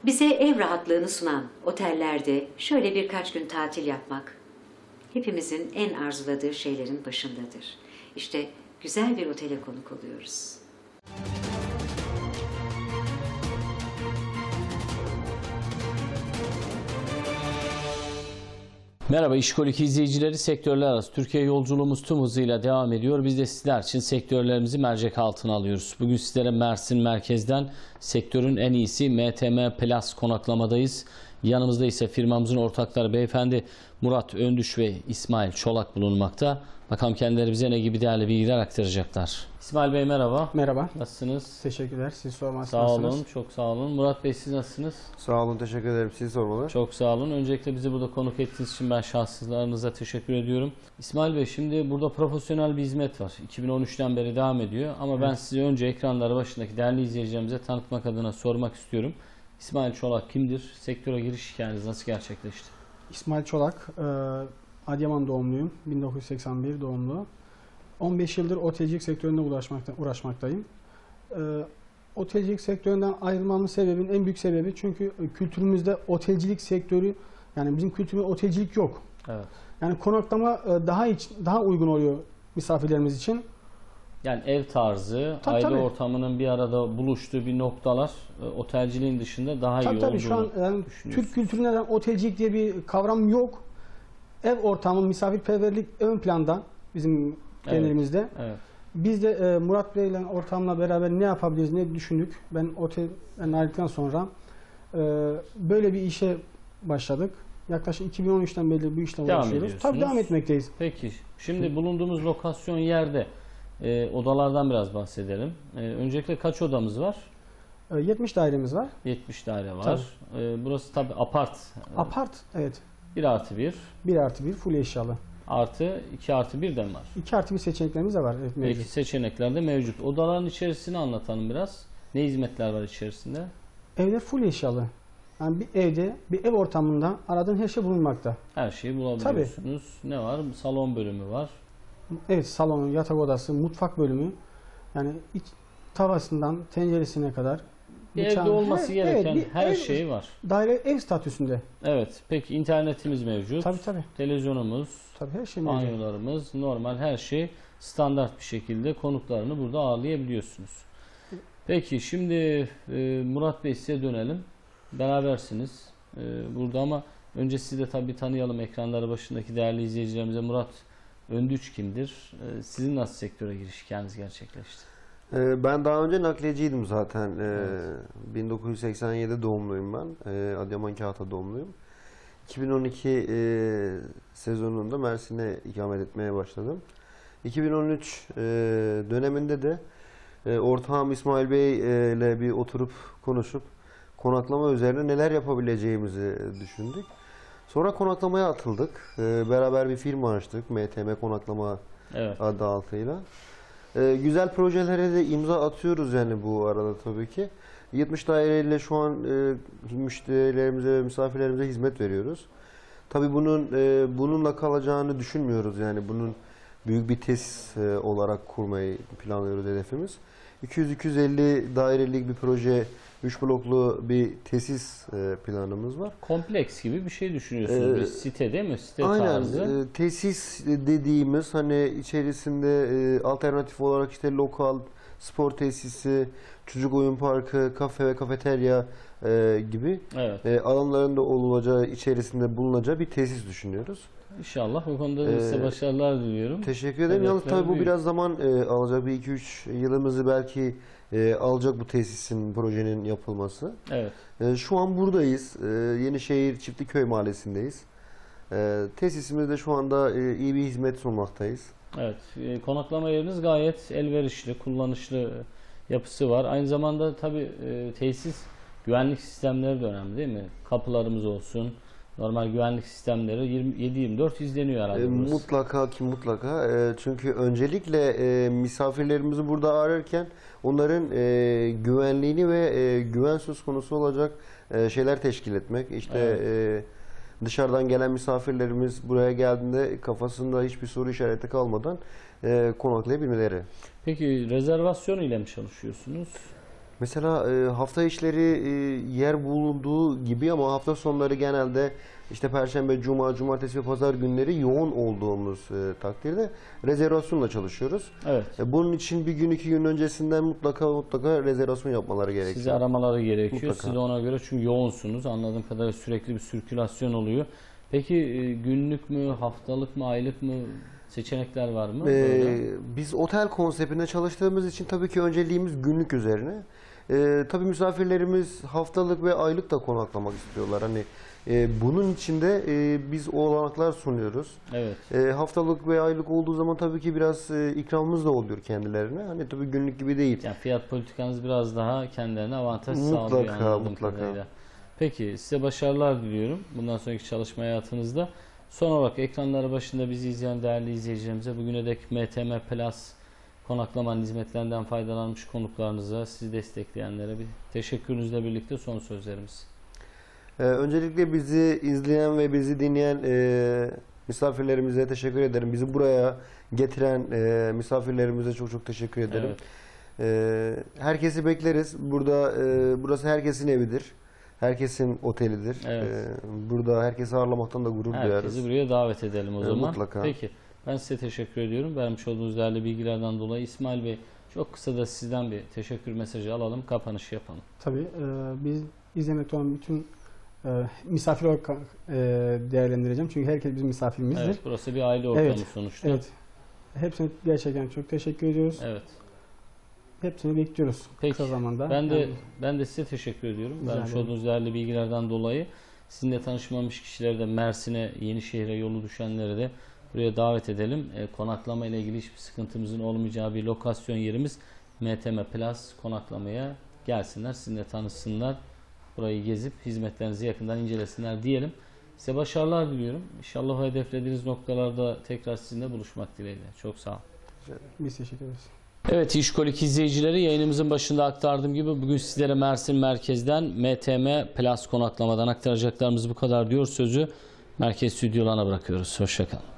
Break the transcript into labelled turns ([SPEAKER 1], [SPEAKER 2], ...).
[SPEAKER 1] Bize ev rahatlığını sunan otellerde şöyle birkaç gün tatil yapmak hepimizin en arzuladığı şeylerin başındadır. İşte güzel bir otele konuk oluyoruz.
[SPEAKER 2] Merhaba İşkolik izleyicileri, sektörler arası Türkiye yolculuğumuz tüm hızıyla devam ediyor. Biz de sizler için sektörlerimizi mercek altına alıyoruz. Bugün sizlere Mersin merkezden sektörün en iyisi MTM Plus konaklamadayız. Yanımızda ise firmamızın ortakları beyefendi Murat Öndüş ve İsmail Çolak bulunmakta. Bakalım kendileri bize ne gibi değerli bilgiler aktaracaklar. İsmail Bey merhaba.
[SPEAKER 3] Merhaba.
[SPEAKER 2] Nasılsınız?
[SPEAKER 3] Teşekkürler. Siz sormanız
[SPEAKER 2] Sağ olun,
[SPEAKER 3] nasılsınız?
[SPEAKER 2] çok sağ olun. Murat Bey siz nasılsınız?
[SPEAKER 4] Sağ olun, teşekkür ederim. Sizi sormalı.
[SPEAKER 2] Çok sağ olun. Öncelikle bizi burada konuk ettiğiniz için ben şahsınıza teşekkür ediyorum. İsmail Bey, şimdi burada profesyonel bir hizmet var. 2013'ten beri devam ediyor. Ama ben size önce ekranları başındaki değerli izleyicilerimize tanıtmak adına sormak istiyorum. İsmail Çolak kimdir? Sektöre giriş hikayeniz nasıl gerçekleşti?
[SPEAKER 3] İsmail Çolak, Adıyaman doğumluyum. 1981 doğumlu. 15 yıldır otelcilik sektöründe uğraşmaktayım. Otelcilik sektöründen ayrılmamın sebebinin en büyük sebebi çünkü kültürümüzde otelcilik sektörü, yani bizim kültürümüzde otelcilik yok.
[SPEAKER 2] Evet.
[SPEAKER 3] Yani konaklama daha uygun oluyor misafirlerimiz için.
[SPEAKER 2] Yani ev tarzı,
[SPEAKER 3] Tabii,
[SPEAKER 2] aile
[SPEAKER 3] tabii.
[SPEAKER 2] ortamının bir arada buluştuğu bir noktalar otelciliğin dışında daha iyi
[SPEAKER 3] Tabii
[SPEAKER 2] olduğunu
[SPEAKER 3] şu an yani
[SPEAKER 2] düşünüyorsunuz.
[SPEAKER 3] Türk kültüründe otelcilik diye bir kavram yok. Ev ortamı, misafirperverlik ön planda bizim geleneğimizde.
[SPEAKER 2] Evet.
[SPEAKER 3] Biz de Murat Bey ile ortamla beraber ne yapabiliriz, ne düşündük. Ben otelden ayrıldıktan sonra böyle bir işe başladık. Yaklaşık 2013'ten beri bu işle
[SPEAKER 2] Devam
[SPEAKER 3] uğraşıyoruz.
[SPEAKER 2] ediyorsunuz.
[SPEAKER 3] Tabii devam etmekteyiz.
[SPEAKER 2] Peki, şimdi bulunduğumuz lokasyon yerde odalardan biraz bahsedelim. Öncelikle kaç odamız var?
[SPEAKER 3] 70 dairemiz var.
[SPEAKER 2] 70 daire var. Burası tabii apart.
[SPEAKER 3] Apart, evet.
[SPEAKER 2] 1+1
[SPEAKER 3] 1+1 full eşyalı.
[SPEAKER 2] artı 2+1 de var.
[SPEAKER 3] 2+1 seçeneklerimiz de var. Evet,
[SPEAKER 2] Peki,
[SPEAKER 3] mevcut.
[SPEAKER 2] seçenekler de mevcut. Odaların içerisini anlatalım biraz. Ne hizmetler var içerisinde?
[SPEAKER 3] Evler full eşyalı. Yani bir evde, bir ev ortamında aradığın her şey bulunmakta.
[SPEAKER 2] Her şeyi bulabiliyorsunuz. Ne var? Salon bölümü var.
[SPEAKER 3] Evet, salon, yatak odası, mutfak bölümü. Yani iç tavasından tenceresine kadar.
[SPEAKER 2] Bir evde olması gereken
[SPEAKER 3] bir
[SPEAKER 2] her
[SPEAKER 3] ev,
[SPEAKER 2] şey var.
[SPEAKER 3] Daire ev statüsünde.
[SPEAKER 2] Evet. Peki, internetimiz mevcut.
[SPEAKER 3] Tabii.
[SPEAKER 2] Televizyonumuz,
[SPEAKER 3] Tabii her şey mevcut.
[SPEAKER 2] banyolarımız, normal her şey standart bir şekilde konuklarını burada ağırlayabiliyorsunuz. Peki, şimdi Murat Bey size dönelim. Berabersiniz burada ama önce sizi de tabii tanıyalım, ekranları başındaki değerli izleyicilerimize. Murat Öndüç kimdir? Sizin nasıl sektöre giriş hikayeniz gerçekleşti?
[SPEAKER 4] Ben daha önce nakliyeciydim zaten. 1987 doğumluyum ben. Adıyaman Kağıt'a doğumluyum. 2012 sezonunda Mersin'e ikamet etmeye başladım. 2013 döneminde de ortağım İsmail Bey ile bir oturup konuşup konaklama üzerine neler yapabileceğimizi düşündük. Sonra konaklamaya atıldık. Beraber bir firma açtık. MTM Konaklama adı altıyla. Güzel projelere de imza atıyoruz yani bu arada tabii ki. 70 daireyle şu an müşterilerimize ve misafirlerimize hizmet veriyoruz. Tabii bununla kalacağını düşünmüyoruz, yani bunun büyük bir tesis olarak kurmayı planlıyoruz, hedefimiz. 200-250 dairelik bir proje, 3 bloklu bir tesis planımız var.
[SPEAKER 2] Kompleks gibi bir şey düşünüyorsunuz. Bir site değil mi? Site tarzı.
[SPEAKER 4] Aynen. Tesis dediğimiz hani içerisinde alternatif olarak işte lokal, spor tesisi, çocuk oyun parkı, kafe ve kafeterya gibi alanlarında olacağı, içerisinde bulunacağı bir tesis düşünüyoruz.
[SPEAKER 2] İnşallah bu konuda size başarılar diliyorum.
[SPEAKER 4] Teşekkür ederim. Yalnız tabii bu biraz zaman alacak. Bir 2-3 yılımızı belki alacak bu tesisin, projenin yapılması.
[SPEAKER 2] Evet.
[SPEAKER 4] Şu an buradayız. Yenişehir Çiftliköy Mahallesi'ndeyiz. Tesisimizde şu anda iyi bir hizmet sunmaktayız.
[SPEAKER 2] Evet. Konaklama yeriniz gayet elverişli, kullanışlı yapısı var. Aynı zamanda tabii tesis güvenlik sistemleri de önemli değil mi? Kapılarımız olsun, normal güvenlik sistemleri 7/24 izleniyor herhalde.
[SPEAKER 4] Mutlaka ki mutlaka. Çünkü öncelikle misafirlerimizi burada ağırlarken onların güvenliğini ve güven söz konusu olacak şeyler teşkil etmek. İşte dışarıdan gelen misafirlerimiz buraya geldiğinde kafasında hiçbir soru işareti kalmadan konaklayabilmeleri.
[SPEAKER 2] Peki rezervasyon ile mi çalışıyorsunuz?
[SPEAKER 4] Mesela hafta içleri yer bulunduğu gibi ama hafta sonları genelde işte Perşembe, Cuma, Cumartesi ve Pazar günleri yoğun olduğumuz takdirde rezervasyonla çalışıyoruz.
[SPEAKER 2] Evet.
[SPEAKER 4] Bunun için bir gün 2 gün öncesinden mutlaka rezervasyon yapmaları gerekiyor.
[SPEAKER 2] Size aramaları gerekiyor.
[SPEAKER 4] Mutlaka.
[SPEAKER 2] Siz de ona göre, çünkü yoğunsunuz. Anladığım kadarıyla sürekli bir sirkülasyon oluyor. Peki günlük mü, haftalık mı, aylık mı seçenekler var mı?
[SPEAKER 4] Biz otel konseptinde çalıştığımız için tabii ki önceliğimiz günlük üzerine. Tabii misafirlerimiz haftalık ve aylık da konaklamak istiyorlar. Hani bunun için de biz olanaklar sunuyoruz.
[SPEAKER 2] Evet.
[SPEAKER 4] Haftalık ve aylık olduğu zaman tabii ki biraz ikramımız da oluyor kendilerine. Hani tabii günlük gibi değil.
[SPEAKER 2] Yani fiyat politikanız biraz daha kendilerine avantaj sağlıyor anladığım
[SPEAKER 4] Mutlaka.
[SPEAKER 2] kadarıyla. Peki, size başarılar diliyorum bundan sonraki çalışma hayatınızda. Son olarak ekranları başında bizi izleyen değerli izleyicilerimize, bugüne dek MTM Plus konaklama hizmetlerinden faydalanmış konuklarınıza, sizi destekleyenlere bir teşekkürünüzle birlikte son sözlerimiz.
[SPEAKER 4] Öncelikle bizi izleyen ve bizi dinleyen misafirlerimize teşekkür ederim. Bizi buraya getiren misafirlerimize çok teşekkür ederim.
[SPEAKER 2] Evet.
[SPEAKER 4] Herkesi bekleriz. Burası herkesin evidir. Herkesin otelidir.
[SPEAKER 2] Evet.
[SPEAKER 4] Burada herkesi ağırlamaktan da gurur duyarız.
[SPEAKER 2] Herkesi buraya davet edelim o zaman.
[SPEAKER 4] Mutlaka.
[SPEAKER 2] Peki, ben size teşekkür ediyorum. Vermiş olduğunuz değerli bilgilerden dolayı. İsmail Bey, çok kısa da sizden bir teşekkür mesajı alalım. Kapanış yapalım.
[SPEAKER 3] Tabii biz izlemekte olan bütün misafir olarak değerlendireceğim. Çünkü herkes bizim misafirimizdir.
[SPEAKER 2] Evet, burası bir aile ortamı
[SPEAKER 3] Evet,
[SPEAKER 2] sonuçta.
[SPEAKER 3] Evet. Hepsine gerçekten çok teşekkür ediyoruz.
[SPEAKER 2] Evet.
[SPEAKER 3] Hepsini bekliyoruz
[SPEAKER 2] Peki.
[SPEAKER 3] kısa zamanda.
[SPEAKER 2] Ben de size teşekkür ediyorum.
[SPEAKER 3] Rica
[SPEAKER 2] Vermiş
[SPEAKER 3] ederim.
[SPEAKER 2] olduğunuz değerli bilgilerden dolayı. Sizinle tanışmamış kişileri de Mersin'e, Yenişehir'e yolu düşenleri de buraya davet edelim. Konaklama ile ilgili hiçbir sıkıntımızın olmayacağı bir lokasyon yerimiz MTM Plus konaklamaya gelsinler. Sizinle tanışsınlar. Burayı gezip hizmetlerinizi yakından incelesinler diyelim. Size başarılar diliyorum. İnşallah o hedeflediğiniz noktalarda tekrar sizinle buluşmak dileğiyle. Çok sağ olun.
[SPEAKER 3] Biz teşekkür ederiz.
[SPEAKER 2] Evet, İşkolik izleyicileri, yayınımızın başında aktardığım gibi bugün sizlere Mersin merkezden MTM Plus konaklamadan aktaracaklarımız bu kadar diyor. Sözü merkez stüdyolarına bırakıyoruz. Hoşça kalın.